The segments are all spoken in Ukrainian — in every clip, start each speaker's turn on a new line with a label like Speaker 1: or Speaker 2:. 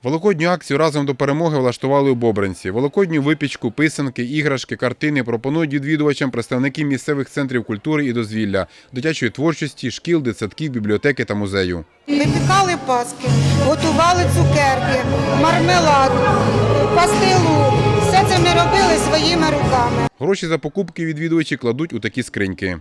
Speaker 1: Великодню акцію «Разом до перемоги» влаштували у Бобринці. Великодню випічку, писанки, іграшки, картини пропонують відвідувачам представники місцевих центрів культури і дозвілля, дитячої творчості, шкіл, дитсадків, бібліотеки та музею.
Speaker 2: Випікали паски, готували цукерки, мармелад, пастилу. Все це ми робили своїми руками.
Speaker 1: Гроші за покупки відвідувачі кладуть у такі скриньки.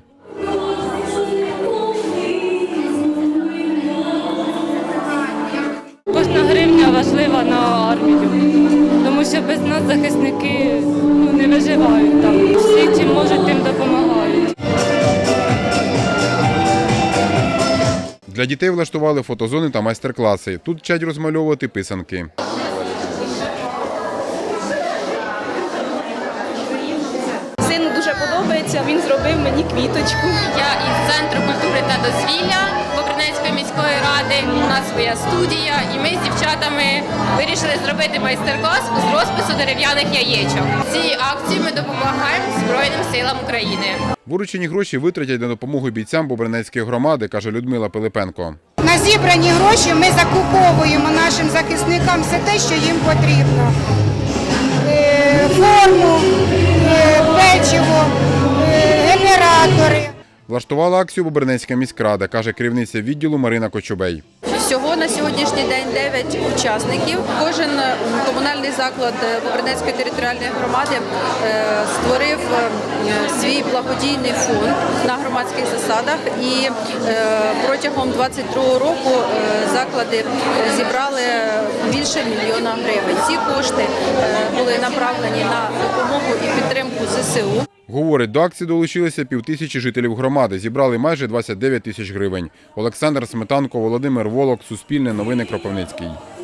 Speaker 3: Кожна гривня важлива на армію, тому що без нас захисники не виживають там. Всі, чим можуть, тим допомагають.
Speaker 1: Для дітей влаштували фотозони та майстер-класи. Тут вчать розмальовувати писанки.
Speaker 4: Сину дуже подобається, він зробив мені квіточку.
Speaker 5: Я із Центру культури та дозвілля Бобринецької міської ради. У нас своя студія, і ми з дівчатами вирішили зробити майстер-клас з розпису дерев'яних яєчок. В цій акції ми допомагаємо Збройним силам України.
Speaker 1: Виручені гроші витратять на допомогу бійцям Бобринецької громади, каже Людмила Пилипенко.
Speaker 2: На зібрані гроші ми закуповуємо нашим захисникам все те, що їм потрібно. Форму, печиво, генератори.
Speaker 1: Влаштувала акцію Бобринецька міськрада, каже керівниця відділу Марина Кочубей.
Speaker 4: Всього на сьогоднішній день 9 учасників. Кожен комунальний заклад Бобринецької територіальної громади створив свій благодійний фонд на громадських засадах. І протягом 2022 року заклади зібрали більше 1 мільйона гривень. Ці кошти були направлені на допомогу і підтримку ЗСУ.
Speaker 1: Говорить, до акції долучилися 5000 жителів громади, зібрали майже 29 тисяч гривень. Олександр Сметанко, Володимир Волок, Суспільне новини, Кропивницький.